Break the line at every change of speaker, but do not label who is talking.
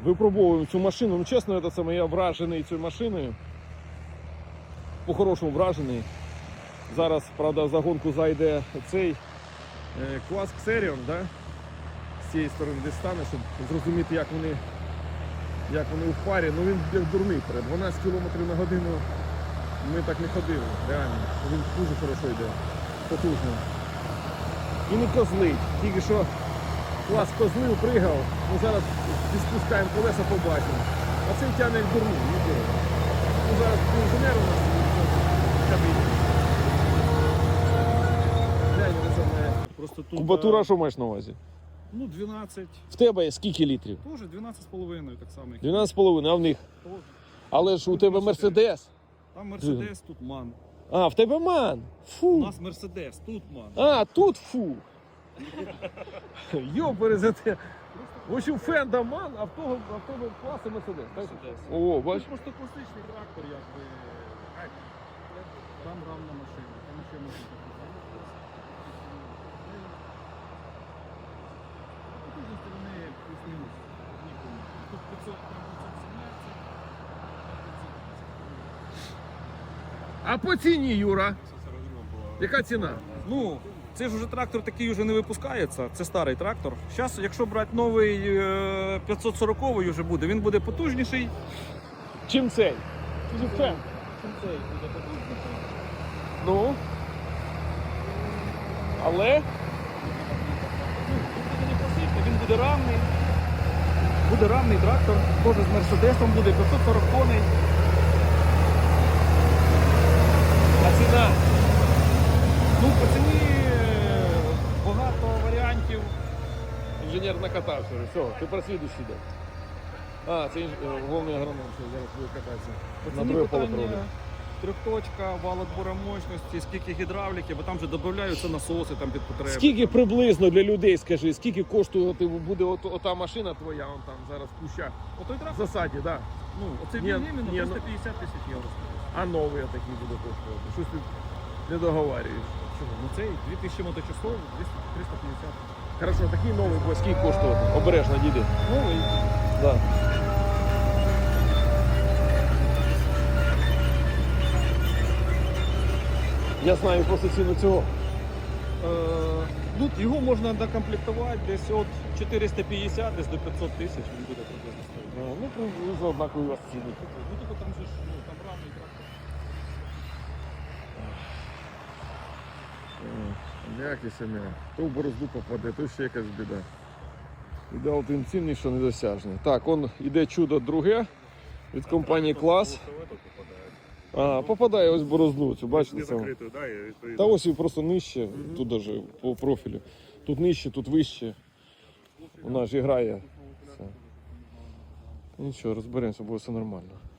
Випробовуємо цю машину. Ну чесно, це саме я вражений цією машиною. По-хорошому вражений. Зараз, правда, в загонку зайде цей клас Xerion, да? З цієї сторони десь стане, щоб зрозуміти, як вони у парі. Ну він як дурний перед 12 км на годину ми так не ходили, реально. Він дуже хорошо йде, потужно. І не козлить, тільки що клас козлив, пригав, ну зараз спускаємо колеса, побачимо. А цей тягне як дурний, нічого. Ну зараз інженер у нас в кабіні. Просто тут, кубатура, що маєш на увазі?
Ну, 12.
В тебе скільки літрів?
Тоже 12,5, так само.
12,5, а в них?
Тоже.
Але ж у тебе Мерседес.
Там Мерседес, тут Ман.
А, в тебе Ман. Фу.
У нас Мерседес, тут Ман.
А, тут фу. Йоперезете. В общем, Фенда Ман, а в того класу Мерседес.
Мерседес.
О, бач.
Це просто класичний трактор, якби. Там равна машина, там ще можна показати. Потужності вони плюс-мінус. Тут 500, там 517.
А по ціні, Юра? Яка ціна?
Ну, це ж уже трактор такий вже не випускається, це старий трактор. Зараз, якщо брати новий 540-й вже буде, він буде потужніший.
Чим цей? Чим Фен?
Чим цей буде потужніший?
Ну? Але?
Він буде не просити, він буде равний. Буде равний трактор, теж з Мерседесом буде 540 коней.
А ціна?
Ну, по ціні багато варіантів.
Інженер накатався вже. Все, тепер слідуючий йде. А, це головний агроном, що зараз буде кататися.
По
На
ціні
друге поле
питання
проводить.
трьохточка, вал отбора мощності, скільки гідравліки, бо там вже додаються насоси там під потреби.
Скільки приблизно для людей, скажи, скільки коштує буде ота машина твоя, вон там зараз в кущах?
Отой
В
трактор,
засаді, так. Да.
ну, оцей
Ні,
він іменно
ні, ну-
350 тисяч євро.
А новий такий буде коштувати. Щось ти не договорюєш.
Чого? Ну цей 2000 моточасов, 350.
Хорошо, такий новий, бо скільки коштує? Обережно, діди.
Новий.
Да. Я знаю просто ціну цього.
Ну, його можна докомплектувати десь от 450 десь до 500 тисяч, він буде приблизно стоїти.
Ну, приблизно однакові у вас ціни.
Ну, типу там же ж, ну, там равний трактор.
Якісь ім'я. То в борозду попаде, то ще якась біда. Ідеал тим цінний, що недосяжний. Так, он іде чудо друге від компанії Клас. А, попадає ось в борозду, цю бачите? Це? Та ось і просто нижче, тут даже по профілю. Тут нижче, тут вище. Вона ж і грає. Все. Нічого, розберемося, буде все нормально.